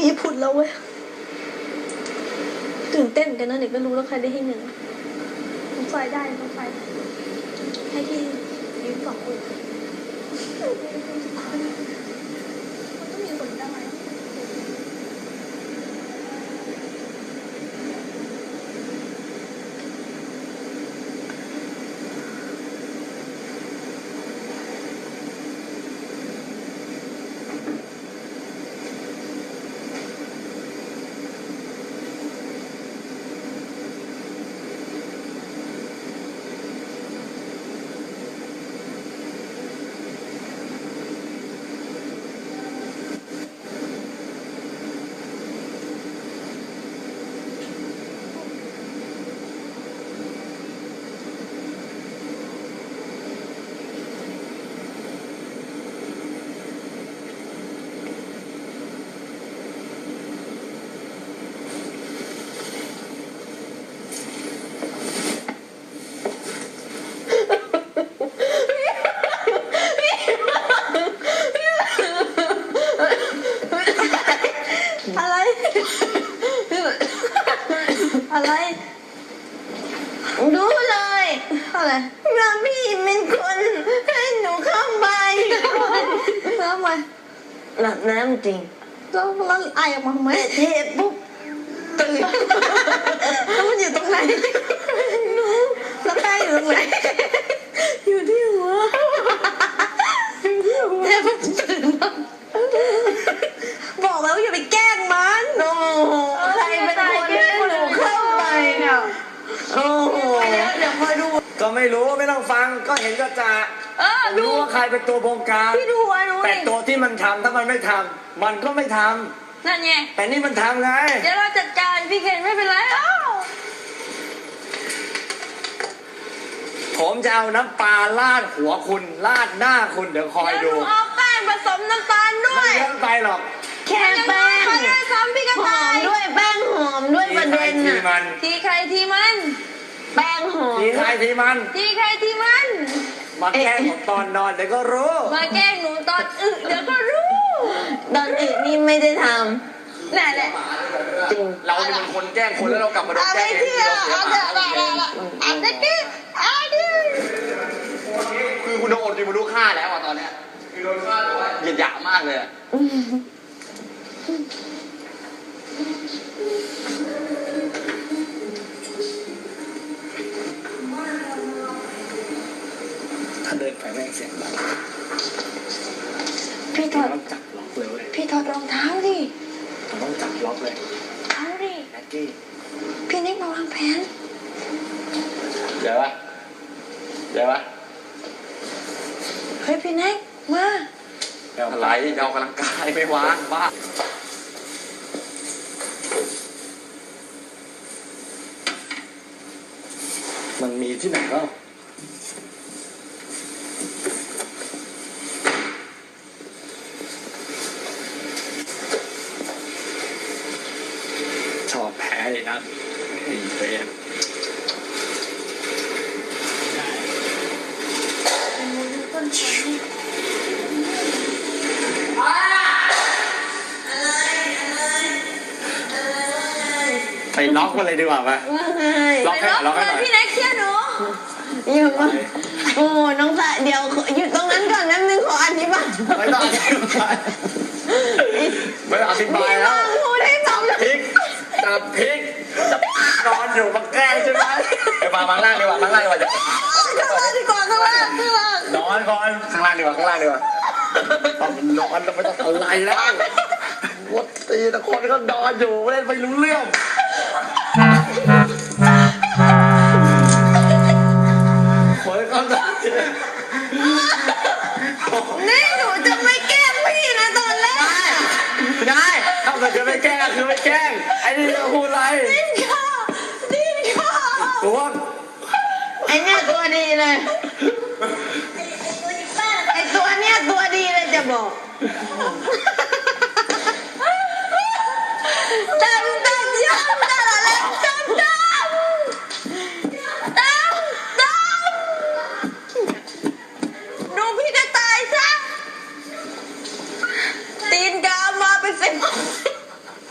ญี่ปุ่นแล้วเว้ยตื่นเต้นกันนะเด็กก็รู้แล้วใครได้ที่หนึ่งน้องไฟได้น้องไฟให้ที่ยืน2 คนมันต้องมีคนได้อะไรรู้เลยอะไรว่าพี่เป็นคนให้หนูเข้าไปแล้วทำไมหลับน้ำจริงแล้วไอออกมาทำไมเทปุ๊บตื่นแล้วมันอยู่ตรงไหนหนูแล้วไออยู่ตรงไหนอยู่ที่หัวเทปุ๊บตื่นบอกแล้วอย่าไปแกล้งมันโอ้ใครเป็นคนให้หนูเข้าไปเนี่ยโอ้โหเดี๋ยวคอยดูก็ไม่รู้ไม่ต้องฟังก็เห็นก็จะรู้ว่าใครเป็นตัวบงการพี่ดูหนูแต่ตัวที่มันทำถ้ามันไม่ทำมันก็ไม่ทำนั่นไงแต่นี่มันทำไงเดี๋ยวเราจัดการพี่เคนไม่เป็นไรผมจะเอาน้ำปลาราดหัวคุณราดหน้าคุณเดี๋ยวคอยดูเอาแป้งผสมน้ำตาลด้วยไม่เยอะไปหรอกแค่แป้งหอมด้วยแป้งหอมด้วยประเด็นน่ะทีใครทีมันแป้งหอมทีใครทีมันทีใครทีมันมาแกล้งผมตอนนอนเดี๋ยวก็รู้มาแกล้งหนูตอนเดี๋ยวก็รู้ตอนนี่ไม่ได้ทำนั่นแหละจริงเราเป็นคนแกล้งคนแล้วเรากลับมาโดนแกล้งเองเอาเถอะเอาเด็กดิคือคุณโดนจริงคุณรู้ค่าแล้วตอนเนี้ยคือโดนค่าด้วยเหยียดหยามมากเลยถ้าเดินไปแม่งเสียงดังพี่ถอดจับล็อกเลยพี่ถอดรองเท้าดิต้องจับล็อกเลยเอาดิแม็กกี้พี่นิกมาวางแผนเดี๋ยววะเฮ้ยพี่นิกมาอะไรจะเอากำลังกายไม่วางบ้ามันมีที่ไหนก็ชอบแพ้เลยนะไอ้เฟรมไปล็อกมันเลยดีกว่าป่ะล็อกให้หน่อยพี่แน็กเชื่อหนูอย่ามาโอ้น้องสะเดี๋ยวหยุดตรงนั้นก่อนแป๊บนึงขออธิบายไม่ต้องอธิบายแล้วพูดให้ฟังพริกจับพริกจับนอนอยู่มาแกล้งใช่ไหมไปมาล่างดีกว่าจะข้างล่างนอนก่อนข้างล่างดีกว่าต้องนอนแล้วไม่ต้องอะไรแล้ววัดตีแต่คนก็นอนอยู่ไม่ได้ไปรู้เรื่องคนก็นอนนี่หนูจะไม่แกล้งพี่นะตอนแรกไม่ได้ถ้าเกิดจะไม่แกล้งคือไม่แกล้งไอ้นี่จะพูดอะไรดิ้นข้าตัวไอ้เนี่ยตัวดีเลยไอ้ตัวเนี้ยตัวดีเลยจะบอกจำย้อนตลอดเลยจำดูพี่จะตายซะตีนกามาเป็น10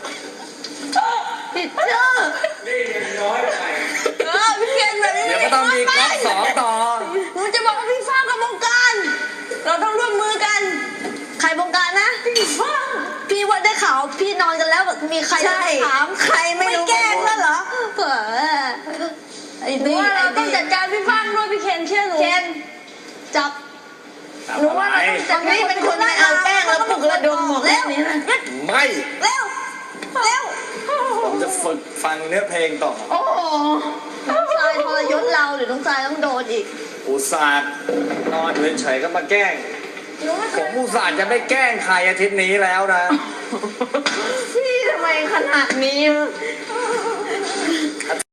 เขาพี่นอนกันแล้วมีใครถามใครไม่รู้แกล้งแล้วเหรอไอ้นี่ว่าเราต้องจัดการพี่ฟังด้วยพี่เคนเชื่อหนูเคนจับหนูว่าเราต้องจับนี่เป็นคนไม่เอาแป้งแล้วปลุกระดมหมดแล้วไม่เร็วผมจะฝึกฟังเนื้อเพลงต่อโอ้โหน้องทรายทรยศเราหรือน้องทรายต้องโดนอีกอุตส่าห์นอนเฉยๆก็มาแกล้งผมอุตส่าห์จะไม่แกล้งใครอาทิตย์นี้แล้วนะพี่ทำไมขนาดนี้